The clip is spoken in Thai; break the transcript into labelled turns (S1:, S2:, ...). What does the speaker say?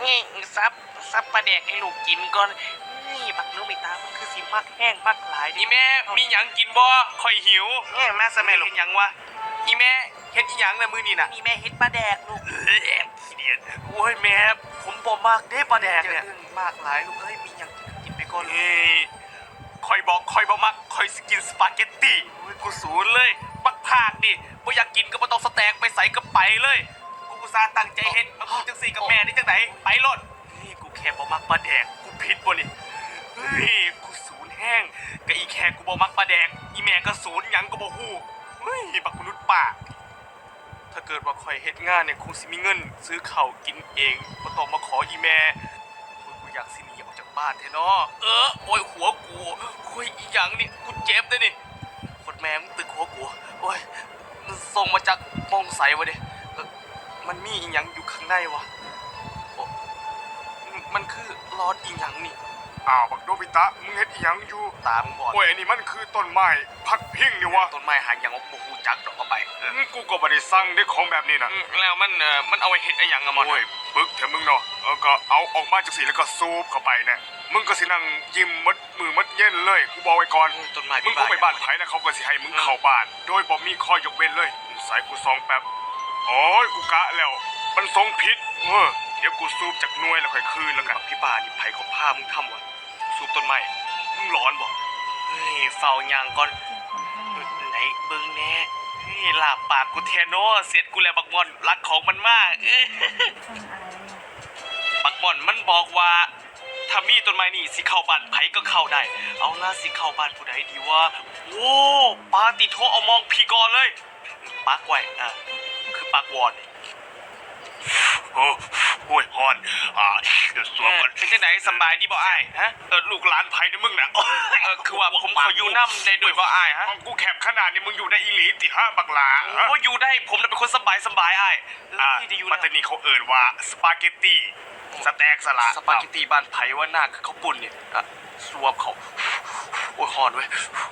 S1: นี่ซับปลาแดกให้ลูกกินก่อนนี่บักโนบิตะมันคือสิมักแห้งมักหลายดิ
S2: อีแม่มีหยังกินบ่ค่อยหิว
S1: นี่มาสมัยลูก
S2: หยังวะอีแม่เฮ็ดอีหยังในมื้อนี้น่ะ
S1: นี่แม่เฮ็ดปลาแดกลูก
S2: ขี้เดียดโอ้ยแม่ผมบ่มักเด้ปลาแดกเนี่ย
S1: มากหลายลูกเอ้ยมีหยังกินไปก่อน
S2: เอ้ยค่อยบอกค่อยบ่มักค่อยสิกินสปาเกตตี้โอ้ยกูสูนเลยบักพากดิบ่อยากกินก็บ่ต้องสแต็กไปใส่ก็ไปเลยกูอุตส่าห์ตั้งใจเฮ็ดมาพูดจังซี่กับแม่นี่จังไดไปโลดนี่กูแค่บ่มักปลาแดกกูผิดบ่นี่เฮ้ยกูสูนแห้งก็อีแค่กูบ่มักปลาแดกอีแม่ก็สูนหยังก็บ่ฮู้เฮ้ยบักมนุษย์ป้าถ้าเกิดว่าข่อยเฮ็ดงานเนี่ยคงสิมีเงินซื้อข้าวกินเองบ่ต้องมาขออีแม่โอ้ยกูอยากสิหนีออกจากบ้านแท้เนาะโอ้ยหัวกูโอ้ยอีหยังนี่กูเจ็บเด้นี่คนแม่มึงตึกหัวกูโอ้ยมันส่งมาจากมองใสวะดิมันมีอีหยังอยู่ข้างในวะโอ้มันคือรอดอีหยังนี่
S3: อ้าวบักโนบิตะมึงเฮ็ดอีหยังอยู่
S2: ตามึงบอด
S3: โอ้ยอันนี้มันคือต้นไม้พักพิงนี่วะ
S2: ต้นไม้หางอย่างว่าบ่ฮู้จักดอกเอาไป
S3: กูก็บ่ได้สั่งได้ของแบบนี้นะ
S2: แล้วมันเอาไว้เฮ็ดอีหยังอะมอน
S3: โอ้ยปึกเถอะมึงเนาะก็เอาออกมาจากสีแล้วก็ซูบเข้าไปเนี่ยมึงก็สินั่งยิ้มมัดมือมัดเย็นเลยกูบอกไว้ก่อน
S2: ต้นไม้
S3: มึงเข้าไปบ้านไผนะเขาก็สิให้มึงเข้าบ้าน โดยบ่มีข้อยกเว้นเลยสายกูซองแป๊บโอ้ยกูกะแล้ว มันทรงผิดเดี๋ยวกูซูบจากหน่วยแล้วค่อยคืนแล้วกัน
S2: พี่ป่านี่ไผเขาพามึงทำวะสูบต้นไม้มึงร้อนบ่เฮ้ยเฝ้ายางก่อนไหนเบิ่งแน่เฮ้ยลาบปากกูแทโนเสร็จกูแล้วบักม่อนรักของมันมากบักม่อนมันบอกว่าถ้ามีต้นไม้นี่สิเข้าบ้านไผก็เข้าได้ เอาล่ะสิเข้าบ้านผู้ใดดีวะโอ้ปาติโทเอามองพี่ก่อนเลยปักไว้คือปักวอน
S3: โอ้ยฮอนเดี๋ยวสวมก่อน
S2: เป็นจังไหนสบายดีบ่อ้ายฮะ
S3: ลูกหลานไผนี่มึงน่ะ
S2: คือว่าผมขออยู่น้ำได้ด้วยบ่อ้ายฮะ
S3: ของกูแคบขนาดนี้มึงอยู่ในอีหลีติฮะบักหลา
S2: โอ้อยู่ได้ผมน่ะเป็นคนสบายอ้ายจะอยู่
S3: ปัตตานีเขาเอ่นว่าสปาเกตตี้สแต็กสละ
S2: สปาเกตตีบ้านไผว่าหน้าคือเขาปุ่นเนี่ยสวบเขาโอ้ยฮอนเว้ย